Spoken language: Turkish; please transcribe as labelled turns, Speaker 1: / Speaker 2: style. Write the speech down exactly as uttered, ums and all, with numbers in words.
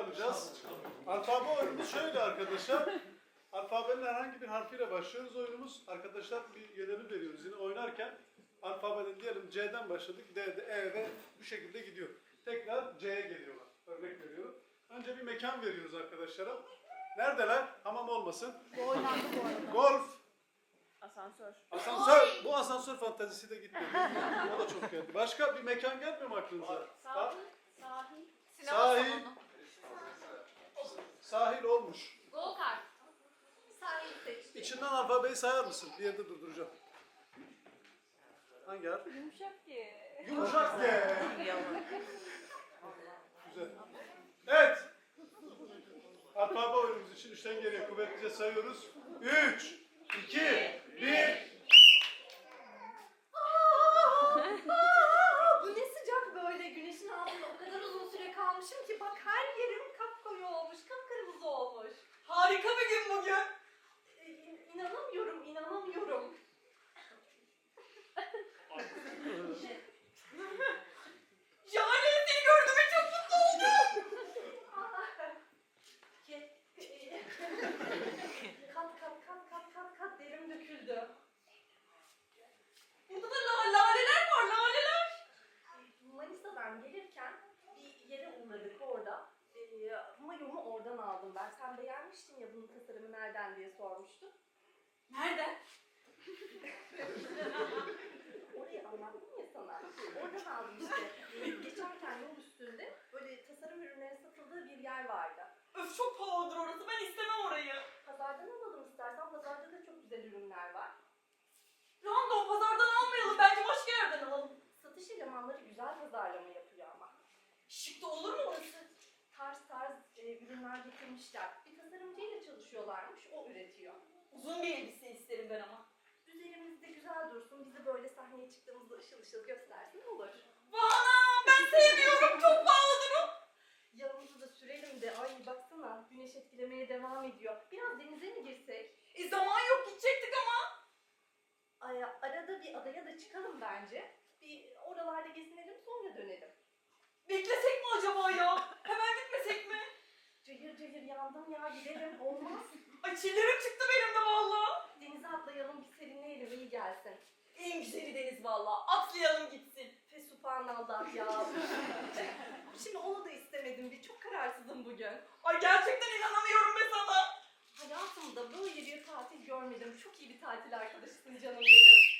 Speaker 1: yapacağız. Alfabe oyunumuz şöyle arkadaşlar. Alfabenin herhangi bir harfiyle başlıyoruz oyunumuz. Arkadaşlar bir yönemi veriyoruz yine oynarken. Alfabeden diyelim C'den başladık. D'de, E'de bu şekilde gidiyor. Tekrar C'ye geliyorlar. Örnek veriyorum. Önce bir mekan veriyoruz arkadaşlara. Neredeler? Hamam olmasın.
Speaker 2: Bu oynandı bu arada.
Speaker 1: Golf.
Speaker 2: Asansör.
Speaker 1: Asansör. Bu asansör fantezisi de gitti. O da çok geldi. Başka bir mekan gelmiyor mu aklınıza?
Speaker 2: Sahil. Sahil.
Speaker 3: Sinema
Speaker 1: Sahil.
Speaker 3: salonu.
Speaker 1: Sahil olmuş.
Speaker 3: Go kart. Sahil seçti.
Speaker 1: İçinden alfabeyi sayar mısın? Bir yerde durduracağım. Hangi harf?
Speaker 2: Yumuşak ki.
Speaker 1: Yumuşak G. Güzel. Evet. Alfabe oyunumuz için üçten geriye kuvvetlice sayıyoruz. Üç, iki, bir.
Speaker 4: Bu ne sıcak böyle, güneşin altında o kadar uzun süre kalmışım ki bak her yerim kapkoyu olmuş, kapkırmızı olmuş.
Speaker 3: Harika bir gün bugün.
Speaker 4: Ee, in- İnanamıyorum, inanamıyorum.
Speaker 3: Yani seni gördüğüme çok mutlu oldum.
Speaker 4: Ke- e, kat kat kat kat kat kat derim döküldü.
Speaker 3: Burada da la laleler var, laleler.
Speaker 4: Ee, Manisa'dan gelirken bir yere uğradık orada. Ee, mayomu oradan aldım ben. Sen beğenmiştin ya bunun tasarımı nereden diye sormuştun.
Speaker 3: Nereden?
Speaker 4: Orayı anlattım ya sana. Oradan aldım işte. Ee, geçerken yol üstünde böyle tasarım ürünleri satıldığı bir yer vardı.
Speaker 3: Öf çok pahalıdır orası, ben istemem orayı.
Speaker 4: Pazardan alalım istersen. Pazarda da çok güzel ürünler var.
Speaker 3: Random pazardan almayalım, bence başka yerden alalım.
Speaker 4: Satış elemanları güzel pazarlama yapıyor ama.
Speaker 3: Şık da olur mu orası?
Speaker 4: Tarz tarz e, ürünler getirmişler. Bir tasarımcıyla çalışıyorlarmış, o üretiyor.
Speaker 3: Uzun bir elbise isterim ben ama.
Speaker 4: Üzerimizde güzel dursun, bizi böyle sahneye çıktığımızda ışıl ışıl göstersin olur.
Speaker 3: Bana ben sevmiyorum, çok pahalıdır o.
Speaker 4: Yanımızı da sürelim de, ay baksana güneş etkilemeye devam ediyor. Biraz denize mi girsek?
Speaker 3: E zaman yok, gidecektik ama.
Speaker 4: Ay, arada bir adaya da çıkalım bence. Bir oralarda gezinelim sonra dönelim.
Speaker 3: Beklesek mi acaba ya? Hemen gitmesek mi?
Speaker 4: Cayır cayır yandım ya, gidelim olmaz.
Speaker 3: Ay çillerim çıktı benim de valla.
Speaker 4: Denize atlayalım, bir serinleyelim, iyi gelsin.
Speaker 3: En güzeli deniz valla. Atlayalım gitsin.
Speaker 4: Fesubhanallah ya. Şimdi onu da istemedim, bir çok kararsızım bugün.
Speaker 3: Ay gerçekten inanamıyorum be sana.
Speaker 4: Hayatımda böyle bir tatil görmedim. Çok iyi bir tatil arkadaşısın canım benim.